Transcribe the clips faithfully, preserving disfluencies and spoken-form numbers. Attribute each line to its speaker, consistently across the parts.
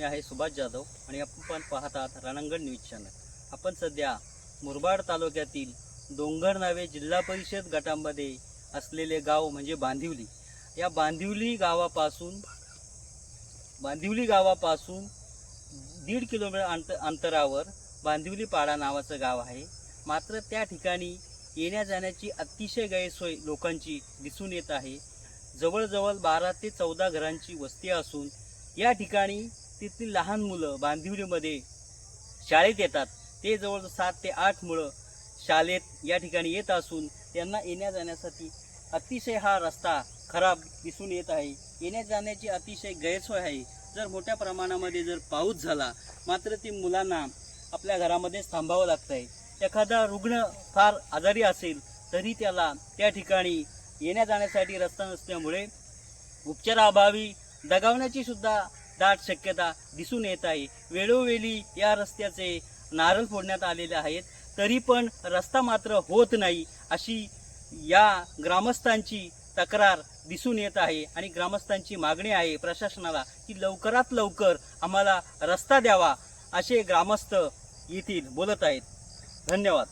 Speaker 1: मी आहे सुभाष जाधव आणि आपण पाहतात रणांगण न्यूज चॅनल। आपण सध्या मुरबाड तालुक्यातील डोंगर नावे जिल्हा परिषद गटामध्ये असलेले गाव म्हणजे बांदिवली। या बांदिवली गावापासून बांदिवली गावापासून दीड किलोमीटर अंत अंतरावर बांदिवली पाडा नावाचं गाव आहे। मात्र त्या ठिकाणी येण्या जाण्याची अतिशय गैरसोय लोकांची दिसून येत आहे। जवळजवळ बारा ते चौदा घरांची वस्ती असून या ठिकाणी तिथली लहान मुलं बांदिवलीमध्ये शाळेत येतात। ते जवळ सात ते आठ मुलं शाळेत या ठिकाणी येत असून त्यांना येण्या जाण्यासाठी अतिशय हा रस्ता खराब दिसून येत आहे। येण्या जाण्याची अतिशय गैरसोय आहे। जर मोठ्या प्रमाणामध्ये जर पाऊस झाला मात्र ती मुलांना आपल्या घरामध्येच थांबावं लागतंय। एखादा रुग्ण फार आजारी असेल तरी त्याला त्या ठिकाणी येण्या जाण्यासाठी रस्ता नसल्यामुळे उपचाराअभावी दगावण्याची सुद्धा दाट शक्यता दिसून येत आहे। वेळोवेळी या रस्त्याचे नारळ फोडण्यात आलेले आहेत तरी पण रस्ता मात्र होत नाही अशी या ग्रामस्थांची तक्रार दिसून येत आहे आणि ग्रामस्थांची मागणी आहे प्रशासनाला की लवकरात लवकर आम्हाला रस्ता द्यावा असे ग्रामस्थ येथील बोलत आहेत। धन्यवाद।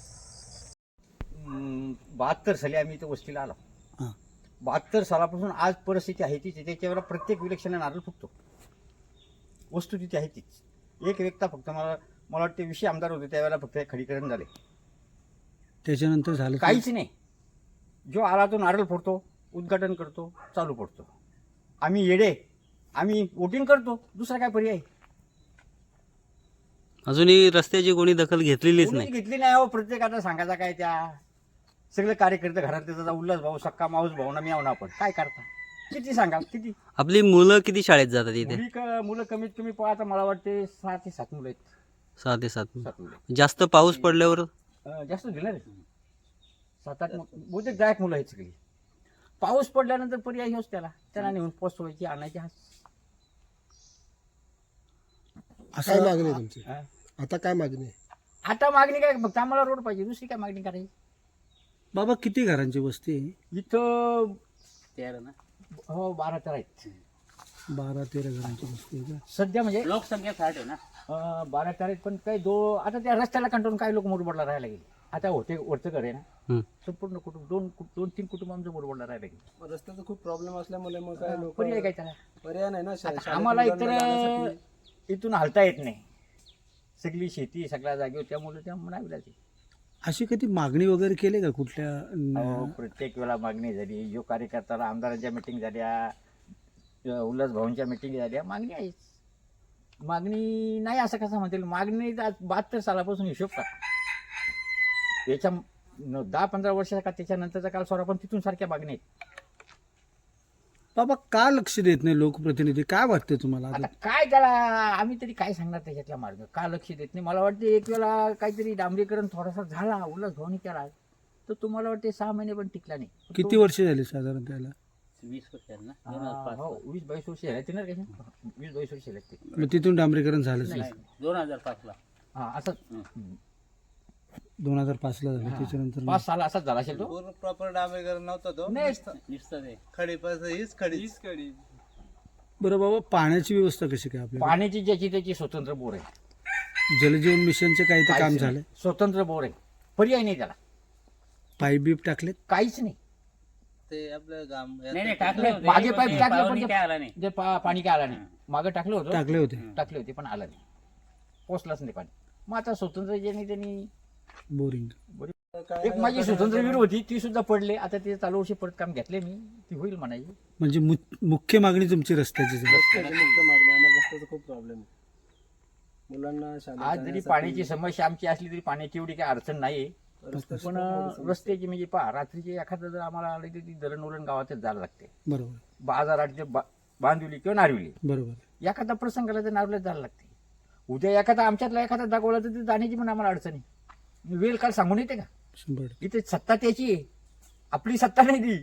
Speaker 2: बहात्तर साली आम्ही इथं वस्तीला आलो। बहात्तर सालापासून आज परिस्थिती आहे तीच। त्याच्यावर प्रत्येक विलक्षणा नारळ फुटतो। वस्तू तिथे आहे तीच। एक व्यक्ता फक्त मला मला वाटते विषय आमदार होते त्यावेळेला फक्त खडीकरण झाले,
Speaker 3: त्याच्यानंतर झालं
Speaker 2: काहीच नाही। जो आला तो नारळ फोडतो, उद्घाटन करतो, चालू पडतो। आम्ही येडे, आम्ही वोटिंग करतो, दुसरा काय पर्याय?
Speaker 1: अजूनही रस्त्याची कोणी दखल घेतलेलीच नाही
Speaker 2: घेतली नाही हो। प्रत्येकाला सांगायचा काय? त्या सगळे कार्यकर्ते घरात त्याचा उल्हास भाऊ, सक्का माऊस भाऊ ना मी आहो ना आपण काय करता? किती सांगा किती?
Speaker 1: आपली मुलं किती शाळेत जातात इथे?
Speaker 2: मुली क- मुलं कमीत कमी पाहता मला वाटते सहा ते सात मुलं आहेत।
Speaker 1: सहा ते सात
Speaker 2: सात मुलं
Speaker 1: जास्त पाऊस पडल्यावर
Speaker 2: अं, जास्त दिलं रे सात आठ मु- बहुतेक जायक मुलं आहेत सगळी। पाऊस पडल्यानंतर पर्याय होच त्याला त्याला नेऊन पोचवायची आणायची। हा
Speaker 3: काय मागणी आहे तुमची?
Speaker 2: हा?
Speaker 3: आता काय मागणी आहे?
Speaker 2: आता मागणी काय? फक्त आम्हाला रोड पाहिजे, दुसरी काय मागणी करायची?
Speaker 3: बाबा किती घरांची वस्ती आहे?
Speaker 2: इथं
Speaker 1: तयार ना
Speaker 2: हो बारा तेरा आहेत
Speaker 3: बारा तेरा घरांची वस्ती आहे का?
Speaker 2: सध्या म्हणजे
Speaker 1: लोकसंख्या साठ आहे ना।
Speaker 2: अं, बारा तेरा आहेत पण काही दो आता त्या रस्त्याला कंटाळून काही लोक मुरबाडला राहायला गेले। आता होते वरचं घर आहे ना,
Speaker 1: हम्म.
Speaker 2: संपूर्ण कुटुंब दोन दोन तीन कुटुंब आमचं मुरबाडला राहायला गेले।
Speaker 4: रस्त्याचा खूप प्रॉब्लेम असल्यामुळे मग काय लोक
Speaker 2: पर्याय काय त्याला?
Speaker 4: पर्याय नाही ना शा-
Speaker 2: आता
Speaker 4: शाळेत
Speaker 2: आम्हाला
Speaker 4: मुलांना
Speaker 2: इतर
Speaker 4: जाण्यासाठी.
Speaker 2: इथून हलता येत नाही। सगळी शेती सगळ्या जागेवर त्यामुळे त्या म्हणावी लागते।
Speaker 3: अशी कधी मागणी वगैरे केली का कुठल्या
Speaker 2: अहो, प्रत्येक वेळा मागणी झाली। जो कार्यकर्त्याला आमदारांच्या मिटिंग झाल्या, उल्हास भाऊंच्या मिटिंग झाल्या, मागणी आहेच। मागणी नाही असं कसं म्हणतील? मागणी आज बहात्तर सालापासून हिशोब का याच्या न- दहा पंधरा वर्षाचा का त्याच्यानंतरचा काल सोडा पण तिथून सारख्या मागणी आहेत।
Speaker 3: बाबा का लक्ष देत नाही लोकप्रतिनिधी? काय वाटतं तुम्हाला?
Speaker 2: आता
Speaker 3: आता
Speaker 2: काय त्याला आम्ही तरी काय सांगणार त्याच्यातला मार्ग? का लक्ष देत नाही? मला वाटते एक वेळा काहीतरी डांबरीकरण थोडासा झाला, उल्हास भाऊनी केला, तर तुम्हाला वाटते सहा महिने पण टिकला नाही। पण
Speaker 3: किती
Speaker 2: तो-
Speaker 3: वर्ष झाली साधारण त्याला?
Speaker 1: वीस वर्षात ना
Speaker 2: हा, हो वीस बावीस वर्ष झाले ना त्याच्या वीस बावीस वर्ष लागते।
Speaker 3: मग तिथून डांबरीकरण झालंच नाही?
Speaker 1: दोन हजार पाच ला
Speaker 2: हा असंच
Speaker 3: दोन हजार पाच ला झालं,
Speaker 2: हा.
Speaker 3: त्याच्यानंतर नाही.
Speaker 2: पाच साल असाच झाला असेल तो।
Speaker 4: पूर्ण प्रॉपर डांबरीकरण नव्हता तो।
Speaker 2: नाही
Speaker 1: नुसतं ते
Speaker 4: खडी पण हीच खडी हीच खडी
Speaker 3: बरं बाबा, पाण्याची व्यवस्था कशी काय आपल्या?
Speaker 2: पाण्याची ज्याची त्याची स्वतंत्र बोर आहे।
Speaker 3: जलजीवन मिशनचं काही तर काम
Speaker 2: काहीच
Speaker 3: झालंय?
Speaker 2: नाही. स्वतंत्र बोर आहे, पर्याय नाही त्याला,
Speaker 3: पाईप बीप टाकलेत?
Speaker 2: काहीच नाही।
Speaker 4: ते आपलं गाम
Speaker 1: नाही नाही टाकले होते.
Speaker 2: मागे पाईप टाकले पण
Speaker 1: पाहुणे
Speaker 2: ते-
Speaker 1: काय आला नाही।
Speaker 2: जे पा- पाणी काय आलं नाही। मागे टाकलं होतं,
Speaker 3: टाकले होते
Speaker 2: टाकले होते पण आलं नाही, पोचलाच नाही पाणी। मग आता स्वतंत्र ज्यांनी त्यांनी
Speaker 3: बोरिंग.
Speaker 2: एक माझी स्वतंत्र विहीर होती ती सुद्धा पडले। आता ते चालू वर्षी परत काम घेतले मी, ती होईल म्हणायची।
Speaker 3: म्हणजे मु- मुख्य मागणी तुमची रस्त्याची आहे.
Speaker 4: रस्त्याची मुख्य मागणी आम्हाला रस्त्याचा खूप प्रॉब्लेम आहे। मुलांना शाळेत
Speaker 2: आज जरी
Speaker 4: जाण्यासाठी
Speaker 2: पाण्याची समस्या आमची असली तरी पाण्याची एवढी काही अडचण नाही।
Speaker 4: रस्त्याची
Speaker 2: पण
Speaker 4: खूप मोठी समस्या.
Speaker 2: रस्त्याची म्हणजे पहा, रात्रीचे एखादं जर आम्हाला आलं तर ती दळण उरण गावातच जायला लागते।
Speaker 3: बरोबर
Speaker 2: बाजारात बा बांधिवली किंवा नारविली,
Speaker 3: बरोबर.
Speaker 2: एखादा प्रसंगाला तर नारवल्यात जायला लागते। उद्या एखादा आमच्यातला एखादा दाखवला तर ते जाण्याची पण आम्हाला अडचण आहे। वेळ काल सांगून येते का?
Speaker 3: शंभर टक्के.
Speaker 2: इथे सत्ता त्याची आहे, आपली सत्ता नाही ती।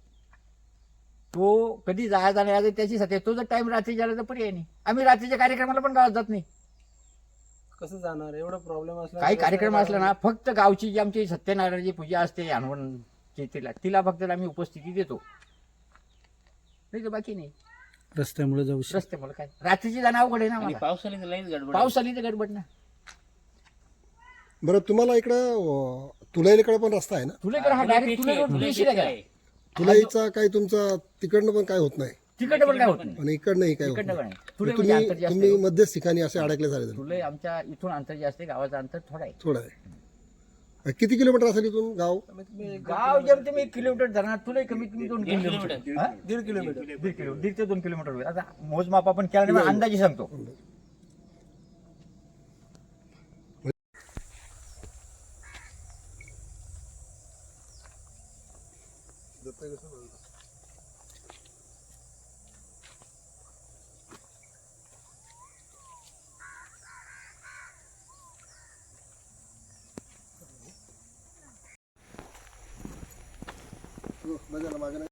Speaker 2: तो कधी जायचा नाही, आज त्याची सत्ता आहे। तो जर टाइम रात्री झाला तर पर्याय नाही। आम्ही रात्रीच्या कार्यक्रमाला पण गावात जात नाही।
Speaker 4: कसं जाणार? एवढा प्रॉब्लेम असला
Speaker 2: काही कार्यक्रम असला ना, फक्त गावची जी आमची सत्यनारायणाची पूजा असते हनुमानची, तिला तिला फक्त आम्ही उपस्थिती देतो, नाही तर बाकी नाही।
Speaker 3: रस्त्यामुळे जाऊ शकतो.
Speaker 2: रस्त्यामुळे काय रात्रीची जाणं अवघड आहे ना
Speaker 1: आणि
Speaker 2: मला.
Speaker 1: पाऊस आली तर लईच गडबड
Speaker 2: पाऊस आली तर गडबड ना.
Speaker 5: बरं तुम्हाला इकडं तुलाईकडे पण रस्ता आहे ना?
Speaker 2: तुलेकर हा डायरेक्ट तुले रोड पेशीला गेला.
Speaker 5: तुलाईचा काही तुमचा तिकडनं पण काय होत नाही
Speaker 2: तिकडं पण काय होत नाही.
Speaker 5: आणि इकडनंही काय होत
Speaker 2: तिकडनं
Speaker 5: नाही.
Speaker 2: पण नाही. तुले
Speaker 5: मग
Speaker 2: म्हणजे अंतर
Speaker 5: तुम्ही
Speaker 2: जास्त
Speaker 5: तुम्ही
Speaker 2: आहे.
Speaker 5: मध्यच ठिकाणी असे अडकले झाले
Speaker 2: तुले आमच्या इथून अंतर जास्त आहे, गावाचं अंतर थोडं आहे.
Speaker 5: थोडं आहे. किती किलोमीटर असेल इथून गाव?
Speaker 2: गाव जेम तुम्ही एक किलोमीटर धरणार तुला कमीत कमी दोन किलोमीटर हा?
Speaker 4: दीड किलोमीटर
Speaker 2: दीड किलो दीड ते दोन किलोमीटर होईल. आता मोजमाप आपण केला नाही, पण अंदाजे सांगतो.
Speaker 5: बघा ना, मागे नाही.